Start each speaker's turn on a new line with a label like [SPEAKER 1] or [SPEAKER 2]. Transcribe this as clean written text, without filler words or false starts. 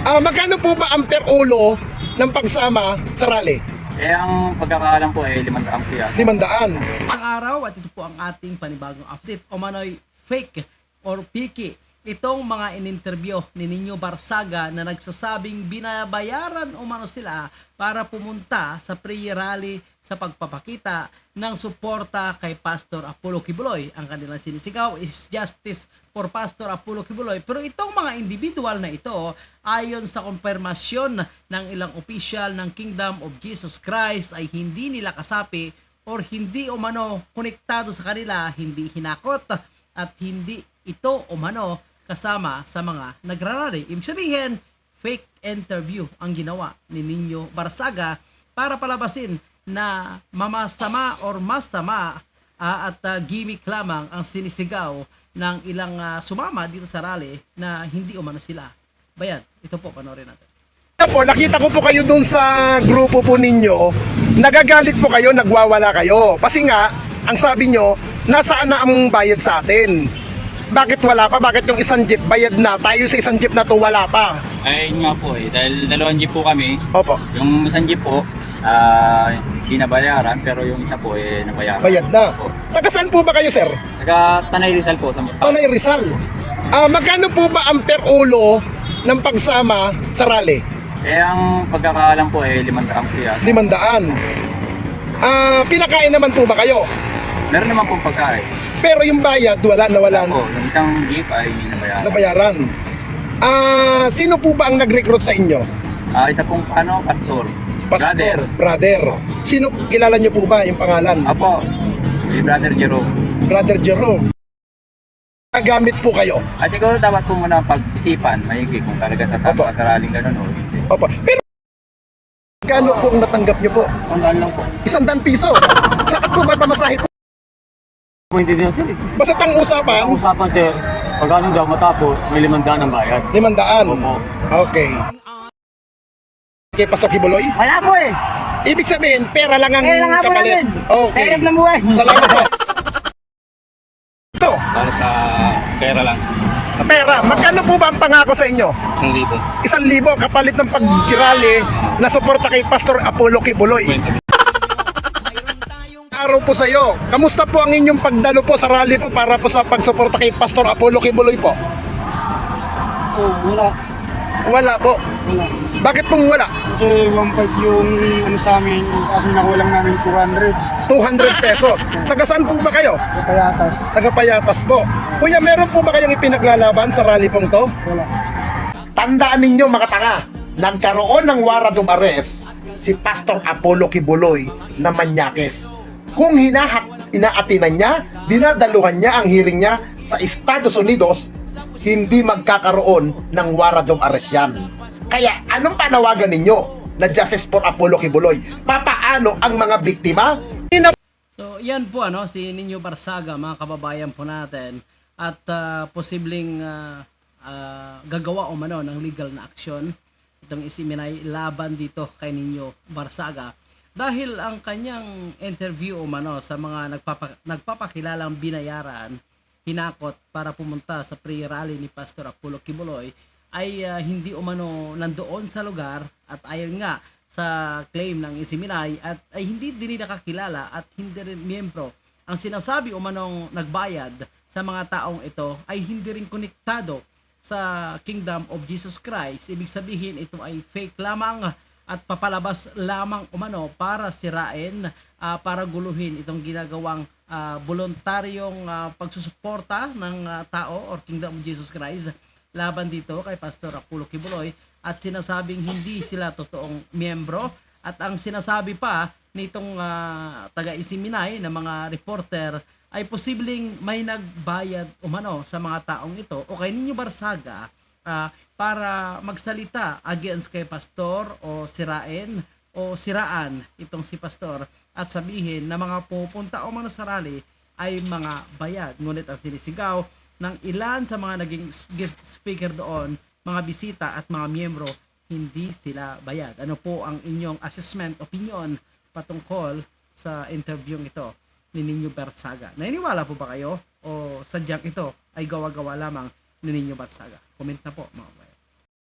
[SPEAKER 1] Magkano po ba ang per ulo ng pagsama sa rally?
[SPEAKER 2] Ang pagkakaalam po ay 500 po yan.
[SPEAKER 1] 500.
[SPEAKER 3] Ang araw at ito po ang ating panibagong update o manoy fake or piki. Itong mga in-interview ni Nino Barsaga na nagsasabing binabayaran umano sila para pumunta sa pre-rally sa pagpapakita ng suporta kay Pastor Apollo Kibuloy. Ang kanilang sinisigaw is justice for Pastor Apollo Kibuloy. Pero itong mga individual na ito, ayon sa konfirmasyon ng ilang opisyal ng Kingdom of Jesus Christ, ay hindi nila kasapi or hindi umano konektado sa kanila, hindi hinakot at hindi ito umano kasama sa mga nagrarally. Ibig sabihin, fake interview ang ginawa ni Nino Barsaga para palabasin na mamasama or masama at gimmick lamang ang sinisigaw ng ilang sumama dito sa rally na hindi umano sila bayad. Ito po, panoorin natin.
[SPEAKER 1] Nakita ko po kayo dun sa grupo po ninyo, nagagalit po kayo, nagwawala kayo. Kasi nga, ang sabi nyo, nasaan na ang bayad sa atin? Bakit wala pa? Bakit yung isang jeep bayad na? Tayo sa isang jeep na to wala pa.
[SPEAKER 2] Ay nga po dahil dalawang jeep po kami.
[SPEAKER 1] Opo.
[SPEAKER 2] Yung isang jeep po, hindi nabayaran, pero yung isa po nabayaran.
[SPEAKER 1] Bayad na.
[SPEAKER 2] Opo.
[SPEAKER 1] Taga saan po ba kayo, sir?
[SPEAKER 2] Taga Tanay Rizal po.
[SPEAKER 1] Tanay Rizal. Magkano po ba ang per ulo ng pagsama sa rally?
[SPEAKER 2] Ang pagkakaalam po ay 500 po yan.
[SPEAKER 1] 500. Pinakain naman po ba kayo?
[SPEAKER 2] Meron naman pong pagkain.
[SPEAKER 1] Pero yung bayad, wala.
[SPEAKER 2] Po, yung isang jeep ay nabayaran.
[SPEAKER 1] Nabayaran. Sino po ba ang nag-recruit sa inyo?
[SPEAKER 2] Isa pong pastor.
[SPEAKER 1] Brother. Sino, kilala niyo po ba yung pangalan?
[SPEAKER 2] Apo, si Brother Jerome.
[SPEAKER 1] Brother Jerome. Nagamit po kayo?
[SPEAKER 2] Siguro dapat po muna pag-isipan, maigi kung talaga sasama ka sa rallying ganun o hindi.
[SPEAKER 1] Opo. Pero kano po ang natanggap niyo po?
[SPEAKER 2] 100 lang po.
[SPEAKER 1] 100 piso. Saan po ba pamasahe po?
[SPEAKER 4] Hindi din sir.
[SPEAKER 1] Basta ang usapan,
[SPEAKER 4] Ang usapan sir, pag ano daw matapos, may 500 ang bayad.
[SPEAKER 1] 500.
[SPEAKER 4] Opo.
[SPEAKER 1] Okay. Kay Pastor Kibuloy?
[SPEAKER 5] Wala po eh.
[SPEAKER 1] Ibig sabihin, pera lang ang
[SPEAKER 5] Pera lang nga po
[SPEAKER 1] kapalit.
[SPEAKER 5] namin.
[SPEAKER 1] Okay.
[SPEAKER 5] Pera lang buhay.
[SPEAKER 1] Salamat po. Ito,
[SPEAKER 2] Para sa pera lang.
[SPEAKER 1] pera. Magkano po ba ang pangako sa inyo?
[SPEAKER 2] 1,000.
[SPEAKER 1] 1,000 kapalit ng pag-rally na suporta kay Pastor Apollo Kibuloy. Araw po sa iyo. Kamusta po ang inyong pagdalo po sa rally po para po sa pagsuporta kay Pastor Apollo Kibuloy po?
[SPEAKER 4] Wala.
[SPEAKER 1] Wala po.
[SPEAKER 4] Wala.
[SPEAKER 1] Bakit pong wala?
[SPEAKER 4] Kasi 1.5 yung ano sa amin, kasi nakulang namin 200.
[SPEAKER 1] 200 pesos. Taga saan po ba kayo?
[SPEAKER 4] Kapayatas.
[SPEAKER 1] Taga Payatas po. Kuya, meron po ba kayong ipinaglalaban sa rally pong to?
[SPEAKER 4] Wala.
[SPEAKER 1] Tandaan ninyo mga tanga, nagkaroon ng warrant of arrest si Pastor Apollo Kibuloy na Manyakes. Kung inaatinan niya, dinadaluhan niya ang hearing niya sa Estados Unidos, hindi magkakaroon ng warrant of arrest yan. Kaya anong panawagan ninyo na justice for Apollo Kibuloy? Papaano ang mga biktima?
[SPEAKER 3] So, yan po si Nino Barsaga, mga kababayan po natin, at posibleng gagawa umano ng legal na aksyon itong isiminay laban dito kay Nino Barsaga dahil ang kanyang interview umano sa mga nagpapakilalang binayaran, hinakot para pumunta sa pre-rally ni Pastor Apollo Kibuloy ay hindi umano nandoon sa lugar at ayon nga sa claim ng isiminay at ay hindi din nakakilala at hindi rin miyembro. Ang sinasabi umanong nagbayad sa mga taong ito ay hindi rin konektado sa Kingdom of Jesus Christ. Ibig sabihin ito ay fake lamang at papalabas lamang umano para sirain, para guluhin itong ginagawang voluntaryong pagsusuporta ng tao or Kingdom of Jesus Christ laban dito kay Pastor Apollo Kibuloy at sinasabing hindi sila totoong miyembro at ang sinasabi pa nitong taga-isiminay na mga reporter ay posibleng may nagbayad umano sa mga taong ito o kay Nino Barsaga para magsalita against kay Pastor o siraan itong si Pastor at sabihin na mga pupunta umano sa rally ay mga bayad. Ngunit ang sinisigaw ng ilan sa mga naging guest speaker doon, mga bisita at mga miyembro, hindi sila bayad. Ano po ang inyong assessment, opinion patungkol sa interview ito ni Nino Barsaga? Naniniwala po ba kayo o sadyang ito ay gawa-gawa lamang ni Nino Barsaga? Comment na po mga kabayan.